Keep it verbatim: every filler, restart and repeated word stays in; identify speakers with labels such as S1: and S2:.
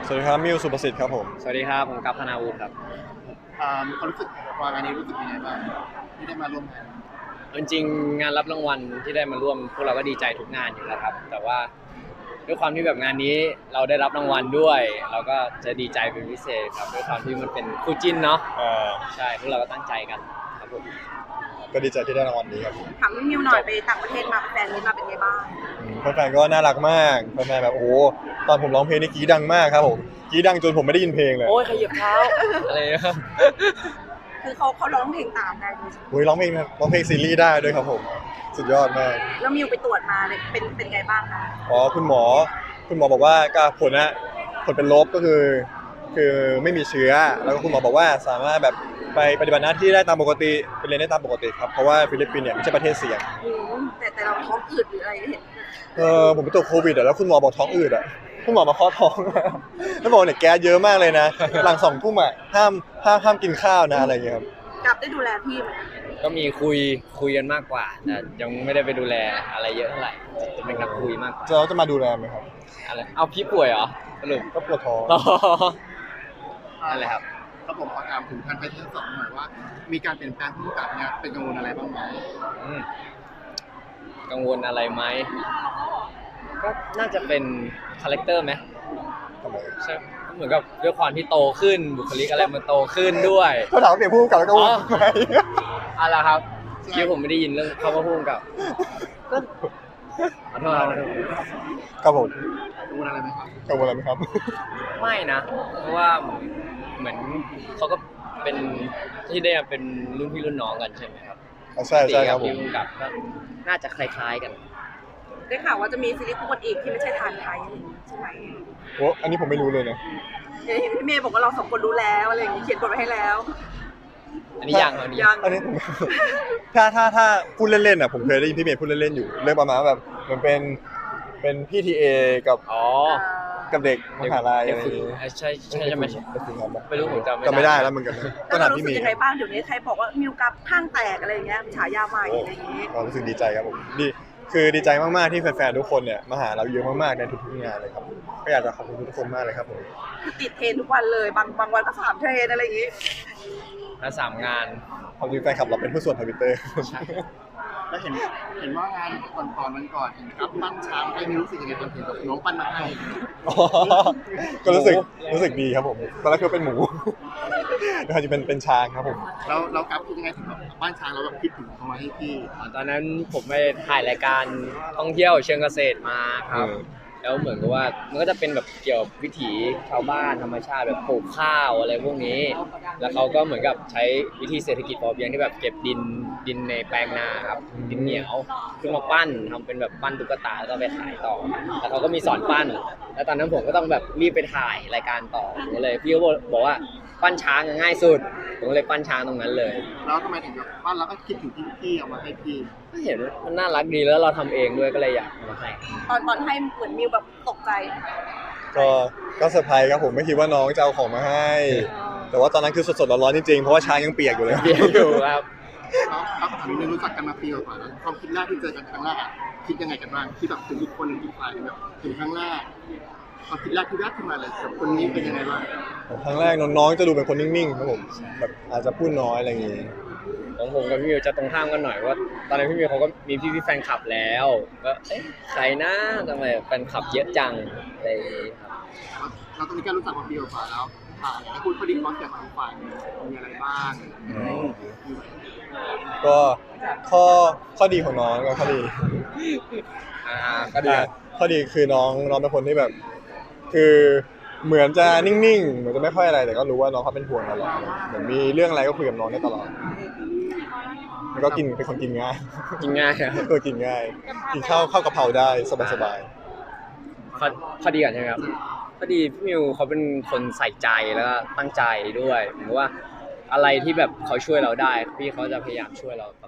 S1: สวัสดีครับมิวสุประสิทธิ์ครับผม
S2: สวัสดีครับผมกัปธนาวุฒิครับ
S3: อ่าความรู้สึกวางานนี้รู้สึกยังไงบ้างที่ได้มาร่วมงาน
S2: จริงๆงานรับรางวัลที่ได้มาร่วมพวกเราก็ดีใจทุกงานอยู่แล้วครับแต่ว่าด้วยความที่แบบงานนี้เราได้รับรางวัลด้วยเราก็จะดีใจเป็นพิเศษครับด้วยความที่มันเป็นคู่จิ้นเนาะใช่พวกเราก็ตั้งใจกันครับผม
S1: ก็ดีใจที่ได้รางวัลนี้ครับ
S4: ถามมิวหน่อยไปต่างประเทศมาแฟนนี้มาเป็นไงบ้าง
S1: แฟนๆก็น่ารักมากแฟนๆแบบโอ้ตอนผมร้องเพลงนี่กรี๊ดดังมากครับผมกรี๊ดดังจนผมไม่ได้ยินเพลงเลย
S2: โอ้ยขยับเท้าอะไรครับ
S4: คือเขาเขาร้องเพลงตามได้ด้วย
S1: โอ้ยร้องเพลงร้องเพลงซีรีส์ได้ด้วยครับผมสุดยอดมาก
S4: แล้วมิวไปตรวจมาเนี่ยเป็นเป็นไงบ้างคะ
S1: อ๋อคุณหมอคุณหมอบอกว่าก็ผลนะผลเป็นลบก็คือคือไม่มีเชื้อแล้วก็คุณหมอบอกว่าสามารถแบบไปปฏิบัติหน้าที่ได้ตามปกติไปเรียนได้ตามปกติครับเพราะว่าฟิลิปปินส์เนี่ยไม่ใช่ประเทศเสี่ยง
S4: แต่แต่เราท้องอืดหรืออะไรเห็น
S1: เออผมไปตรวจโควิดแล้วคุณหมอบอกท้องอืดอ่ะคุณหมอมาเคาะท้องแล้วบอกเนี่ยแก๊สเยอะมากเลยนะหลังสองทุ่มอ่ะห้ามห้ามห้ามกินข้าวนะอะไรอย่างเงี้ยครับ
S4: กลับได้ดูแลพี่ไหม
S2: ก็มีคุยคุยกันมากกว่าแต่ยังไม่ได้ไปดูแลอะไรเยอะเท่าไหร่จะเป็นการคุยมาก
S1: จะเราจะมาดูแลไหมครับ
S2: อะไรเอาพี่ป่วยเหรอสรุป
S1: ก็ปวดท้อง
S2: อะไรครับ
S3: ครับผมขอถามถึงการไปเทสสองหน่อยว่ามีการเปลี่ยนแปลงผู้กำกับเนี่ยเป็นกังวลอะไรบ้างไหม
S2: กังวลอะไรไหมก็น่าจะเป็นคาแรคเตอร์ไหมใช่เหมือนกับด้วยความที่โตขึ้นบุคลิกอะไรมันโตขึ้นด้วย
S1: ก็ถามเปลี่ยนผู้กำกับแล้วก็ว่าไหม
S2: อะไรครับคิดผมไม่ได้ยินเรื่องเขาว่าผู้กำกับก็ขอโทษครับ
S1: ครับผม
S3: กังวลอะไรไหมครับ
S1: กังวลอะไรไหมครับ
S2: ไม่นะเพราะว่าเหมือนเขาก็เป็นที่ได้เป็นรุ่นพี่รุ่นน้องกันใช่ไหมครับ
S1: ใช่ใช่ครับผม
S2: ผู้กำกับก็น่าจะคล้ายๆกัน
S4: ได้ข่าวว่าจะมีซีรีส์คู่กันอีกที่ไม่ใช่ทานไทยใช่ไหม
S1: โอ้อันนี้ผมไม่รู้เลยนะ
S4: เห็นพี่เมย์บอกว่าเราสองคนรู้แล้วอะไรอย่างนี้เขียนบทไว้ให้แล้ว
S2: อันนี้ยังอันนี้
S1: ยังอันนี้ผมถ้าถ้าถ้าพูดเล่นๆอ่ะผมเคยได้ยินพี่เมย์พูดเล่นๆอยู่เรื่องประมาณแบบเหมือนเป็นเป็นพี่ทีเอกับ
S2: อ๋อ
S1: กับเด็กมหาลัยอะไรอย่างงี้
S2: ใช่ใช่ใช่ไหมไม่รู้ผมจำไม่
S1: จำไม่ได้แล้วเหมือนกัน
S4: ก็ถามพี่เมย์ยังไงบ้างเดี๋ยวนี้ใครบอกว่ามิวกับข้างแตกอะไรอย่างเงี้ยฉายาใหม่อะไรอย่างงี้
S1: ก็รู้สึกดีใจครับผมดีคือดีใจมากๆที่แฟนๆทุกคนเนี่ยมาหาเราเยอะมากๆในทุกๆงานเลยครับก็อยากจะขอบคุณทุกคนมากเลยครับผม
S4: คือติดเทรนทุกวันเลยบางบางวันก็สามเทรนอะไรอย่างงี้
S2: แล้วสามงาน
S1: ความจริงแฟนคลับเราเป็นผู้ส่วนทวิตเตอร์
S3: แล้วเห็นเห็นว่างานก่อนๆมันก่อนเห็นครับปั้นช้างให้มิวรู้สึกยังไงตอนเห็นแบบน้องปั้นมาให้
S1: ก็รู้สึกรู้สึกดีครับผมตอนแรกคือเป็นหมูแล้วจะเป็นเป็นช้างครับผม
S3: เราเรากลับคิดยังไงถึงแบบปั้นช้างเราแบบคิดถึงเขามาให้พี่
S2: ตอนนั้นผมไปถ่ายรายการท่องเที่ยวเชิงเกษตรมาครับแล้วเหมือนกับว่ามันก็จะเป็นแบบเกี่ยวกับวิถีชาวบ้านธรรมชาติแบบปลูกข้าวอะไรพวกนี้แล้วเขาก็เหมือนกับใช้วิธีเศรษฐกิจพอเพียงที่แบบเก็บดินดินในแปลงนาครับดินเหนียวขึ้นมาปั้นทำเป็นแบบปั้นตุ๊กตาแล้วก็ไปขายต่อแล้วเขาก็มีสอนปั้นแล้วตอนนั้นผมก็ต้องแบบรีบไปถ่ายรายการต่อผมเลยพี่ก็บอกว่าปั้นช้างง่ายสุดผมเลยปั้นช้างตรงนั้นเลย
S3: แล้วทำไมถึงแบบปั้นแล้วก็คิดถึงที่พี่เอามาให้พี่
S2: ก็เห็นมันน่ารักดีแล้วเราทำเองด้วยก็เลยอยากมาให้
S4: ตอนตอนให้เหมือนมิวแบบตกใจ
S1: ก็ก็เซอร์ไพรส์ครับผมไม่คิดว่าน้องจะเอาของมาให้แต่ว่าตอนนั้นคือสดๆร้อนๆจริงๆเพราะว่าช้างยังเปียกอยู่เลย
S2: เปียกอยู่ครับ
S3: แล้วครับถามนิดนึงรู้จักกันมาปีกว่าแล้วความคิดแรกที่เจอกันครั้งแรกคิดยังไงกันบ้างที่แบบถึงอีกคนหนึ่งอีกฝ่ายแบบถึงครั้งแรกความคิดแรกที่แรกขึ้นมาเลยกับคนนี้เป็นยังไงบ้าง
S1: ครั้งแรกน้องๆจะดูเป็นคนนิ่งๆครับผมแบบอาจจะพูดน้อยอะไรอย่างงี้
S2: ของผมกับพี่มิวจะตรงข้ามกันหน่อยว่าตอนนั้นพี่มิวเขาก็มีพี่ๆแฟนคลับแล้วก็เอ๊ะใครนะทำไมแฟนคลับเยอะจังอะไรอย่างงี้
S3: ครับเราตอนนี้ก็รู้จักมาปีกว่าแล้วอ่าอยากให้พูดข้อดีข้อเสียของฝ่ายมีอะไรบ้าง
S1: ก็ข้อข้อดีของน้องก็ข้อดี
S2: อ่าก็ดี
S1: ข้อดีคือน้องน้องเป็นคนที่แบบคือเหมือนจะนิ่งๆเหมือนจะไม่ค่อยอะไรแต่ก็รู้ว่าน้องเขาเป็นห่วงเราเหมือนมีเรื่องอะไรก็คุยกับน้องได้ตลอดแล้วก็กินเป็นคนกินง่าย
S2: กินง่ายครับ
S1: ก็กินง่ายกินข้าวข้าวกะเพราได้สบาย
S2: ๆข้อข้อดีก่อนใช่ไหมครับข้อดีพี่มิวเขาเป็นคนใส่ใจแล้วก็ตั้งใจด้วยเหมือนว่าอะไรที่แบบเขาช่วยเราได้พี่เขาจะพยายามช่วยเรา